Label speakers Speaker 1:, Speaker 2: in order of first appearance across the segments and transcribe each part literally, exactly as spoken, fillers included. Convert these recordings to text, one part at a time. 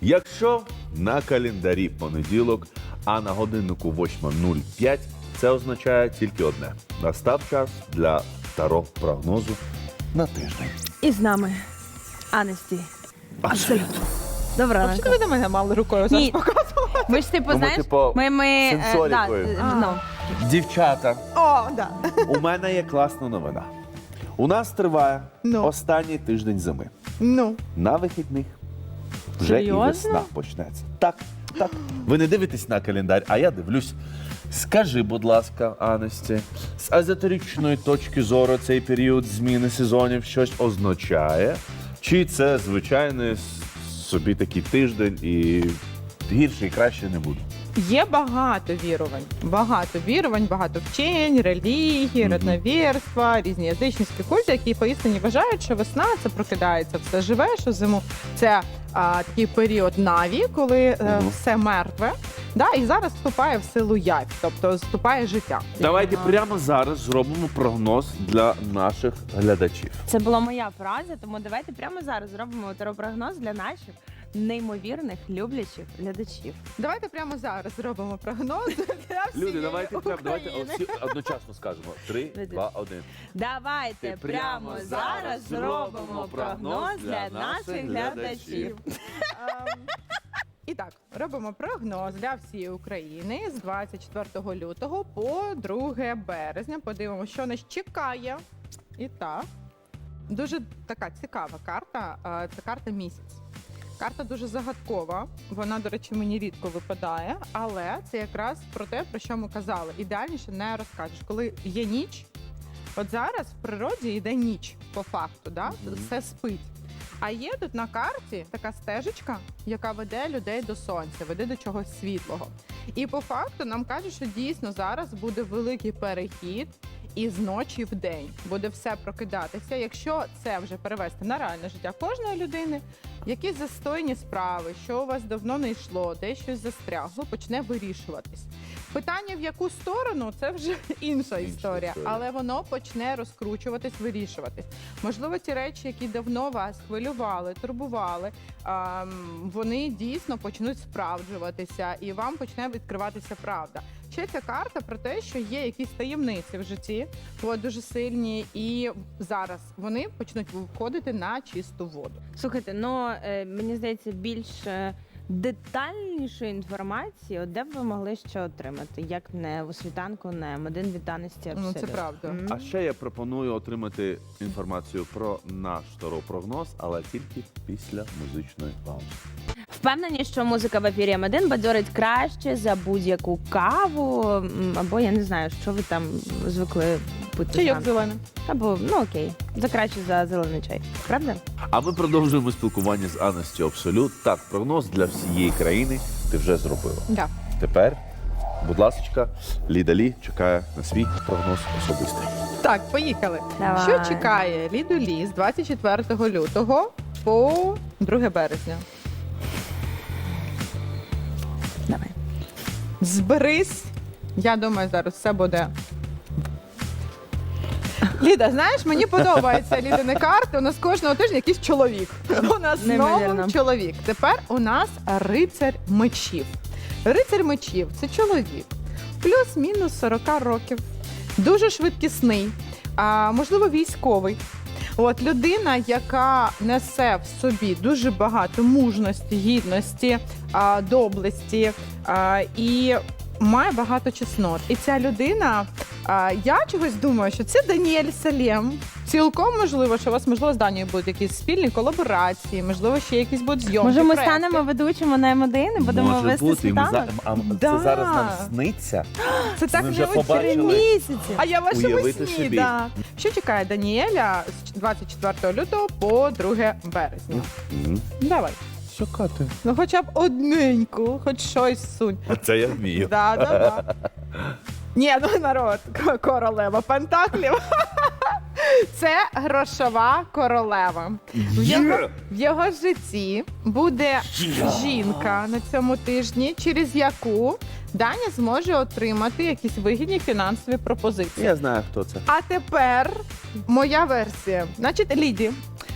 Speaker 1: Якщо на календарі понеділок, а на годиннику восьма нуль п'ять, це означає тільки одне. Настав час для старого прогнозу на тиждень.
Speaker 2: І з нами Анесті. Абсолютно. Доброго
Speaker 3: А
Speaker 2: ранку.
Speaker 3: чого ви на мене мали рукою зараз
Speaker 2: Ні.
Speaker 3: показувати?
Speaker 2: Ми ж типу,
Speaker 1: Ну, ми,
Speaker 2: знаєш,
Speaker 1: типу,
Speaker 2: ми, ми е,
Speaker 1: сенсорикою.
Speaker 2: да, ну,
Speaker 1: Дівчата,
Speaker 3: О, да.
Speaker 1: у мене є класна новина. У нас триває
Speaker 3: Ну.
Speaker 1: останній тиждень зими.
Speaker 3: Ну.
Speaker 1: На вихідних вже і
Speaker 2: Серйозно?
Speaker 1: весна почнеться. Так, так. Ви не дивитесь на календар, а я дивлюсь. Скажи, будь ласка, Анесті, з езотеричної точки зору цей період зміни сезонів щось означає? Чи це звичайний с- собі такий тиждень і гірше і краще не буде?
Speaker 3: Є багато вірувань. Багато вірувань, багато вчень, релігії,
Speaker 1: Мгм.
Speaker 3: родновірства, різні язичницькі культи, які поістині вважають, що весна це прокидається, все живе, що зиму це а, такий період наві, коли е,
Speaker 1: Мгм.
Speaker 3: все мертве. Да, і зараз вступає в силу явь, тобто вступає життя.
Speaker 1: Давайте прямо зараз зробимо прогноз для наших глядачів.
Speaker 2: це була моя фраза, тому давайте прямо зараз зробимо теропрогноз для наших неймовірних люблячих глядачів.
Speaker 3: Давайте прямо зараз зробимо прогноз для всієї
Speaker 1: Люди, давайте прямо, давайте
Speaker 2: України.
Speaker 1: всі одночасно скажемо. Три,
Speaker 2: Люди.
Speaker 1: два, один.
Speaker 2: Давайте
Speaker 1: Ти
Speaker 2: прямо
Speaker 1: прямо
Speaker 2: зараз
Speaker 1: зараз
Speaker 2: зробимо
Speaker 1: зробимо
Speaker 2: прогноз для
Speaker 1: для
Speaker 2: наших
Speaker 1: наших
Speaker 2: глядачів.
Speaker 3: Ем, І так, робимо прогноз для всієї України з двадцять четвертого лютого по друге березня. Подивимося, що нас чекає. І так, дуже така цікава карта. е, Це карта місяць. Карта дуже загадкова. Вона, до речі, мені рідко випадає, але це якраз про те, про що ми казали. Ідеальніше не розкажеш. Коли є ніч, от зараз в природі йде ніч по факту, да?
Speaker 1: Мгм.
Speaker 3: Все спить. А є тут на карті така стежечка, яка веде людей до сонця, веде до чогось світлого. І по факту нам кажуть, що дійсно зараз буде великий перехід із ночі в день. Буде все прокидатися. Якщо це вже перевести на реальне життя кожної людини, якісь застойні справи, що у вас давно не йшло, десь щось застрягло, почне вирішуватись. Питання в яку сторону це вже інша історія,
Speaker 1: історія.
Speaker 3: але воно почне розкручуватись, вирішуватись. Можливо, ті речі, які давно вас хвилювали, турбували, ем, вони дійсно почнуть справджуватися, і вам почне відкриватися правда. Ще ця карта про те, що є якісь таємниці в житті, от, дуже сильні, і зараз вони почнуть виходити на чисту воду.
Speaker 2: Слухайте, ну е, мені здається, більш е, детальнішої інформації, от де б ви могли ще отримати, як не у світанку, не М один від Анесті
Speaker 3: Ну, це
Speaker 2: Абсолют.
Speaker 3: правда.
Speaker 2: М.
Speaker 1: А ще я пропоную отримати інформацію про наш прогноз, але тільки після музичної паузи.
Speaker 2: Впевнені, що музика в ефірі М один бадьорить краще за будь-яку каву, м, або я не знаю, що ви там звикли пити.
Speaker 3: Чайок
Speaker 2: зранку.
Speaker 3: зелений.
Speaker 2: Або, ну окей, за краще за зелений чай. Правда?
Speaker 1: А ми продовжуємо спілкування з Анестю Абсолют. Так, прогноз для всієї країни ти вже зробила.
Speaker 3: Да.
Speaker 1: Тепер, будь ласка, Ліда Лі чекає на свій прогноз особистий.
Speaker 3: Так, поїхали.
Speaker 2: Давай.
Speaker 3: Що чекає Ліду Лі з двадцять четвертого лютого по друге березня?
Speaker 2: Давай.
Speaker 3: Зберись. Я думаю, зараз все буде. Ліда, знаєш, мені подобаються Лідини карти. У нас кожного тижня якийсь чоловік. У нас знову
Speaker 2: Неймовірно.
Speaker 3: чоловік. Тепер у нас рицар мечів. Рицар мечів це чоловік. Плюс-мінус сорок років. Дуже швидкісний, а, можливо, військовий. От людина, яка несе в собі дуже багато мужності, гідності, а, доблесті а, і має багато чеснот. І ця людина, а, я чогось думаю, що це Даніель Салем. Цілком можливо, що у вас, можливо, з Данією будуть якісь спільні колаборації, можливо, ще якісь будуть зйомки.
Speaker 2: Може, ми
Speaker 3: проекти.
Speaker 2: станемо ведучими на М один і будемо
Speaker 1: Може
Speaker 2: вести
Speaker 1: бути, і ми
Speaker 2: світанок?
Speaker 1: за... а,
Speaker 3: Да.
Speaker 1: це зараз нам сниться.
Speaker 3: Це так
Speaker 1: Ми
Speaker 3: вже
Speaker 1: вже
Speaker 3: три
Speaker 1: побачили.
Speaker 2: Місяці.
Speaker 3: А я в вашому
Speaker 1: Уявити
Speaker 3: сні,
Speaker 1: собі.
Speaker 3: да. Що чекає Даніеля з двадцять четвертого лютого по друге березня?
Speaker 1: Мгм.
Speaker 3: Давай.
Speaker 1: Що, Кати?
Speaker 3: Ну хоча б одненьку, хоч щось сунь.
Speaker 1: Це я вмію.
Speaker 3: Да, да, да. Ні, ну народ, к- королева пентаклів. Це грошова королева. В його, в його житті буде жінка на цьому тижні, через яку Даня зможе отримати якісь вигідні фінансові пропозиції.
Speaker 1: Я знаю, хто це.
Speaker 3: А тепер моя версія. Значить, Ліді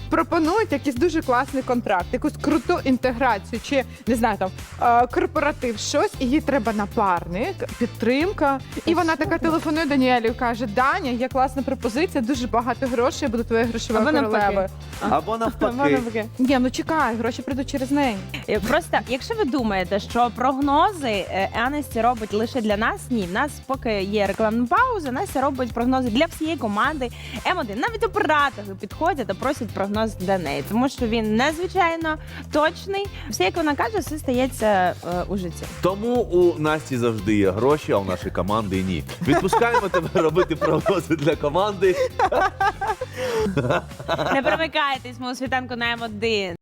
Speaker 3: пропонують якийсь дуже класний контракт, якусь круту інтеграцію, чи не знаю, там е, корпоратив, щось, і їй треба напарник, підтримка. І вона така телефонує Даніелі і каже: Даня, є класна пропозиція, дуже багато грошей, я буду твоєю грошовою
Speaker 2: Або навпаки.
Speaker 3: королевою.
Speaker 1: Або навпаки.
Speaker 3: Ні, ну чекай, гроші прийдуть через неї.
Speaker 2: Е, Просто, якщо ви думаєте, що прогнози е, Анесті робить лише для нас, ні, в нас поки є рекламна пауза, Настя робить прогнози для всієї команди М один. Навіть оператори підходять та просять прогноз для неї, тому що він надзвичайно точний. Все, як вона каже, все стається е, у житті.
Speaker 1: Тому у Насті завжди є гроші, а у нашої команди ні. Відпускаємо тебе робити прогнози для команди.
Speaker 2: Не перемикайтесь, ми у світанку на М один.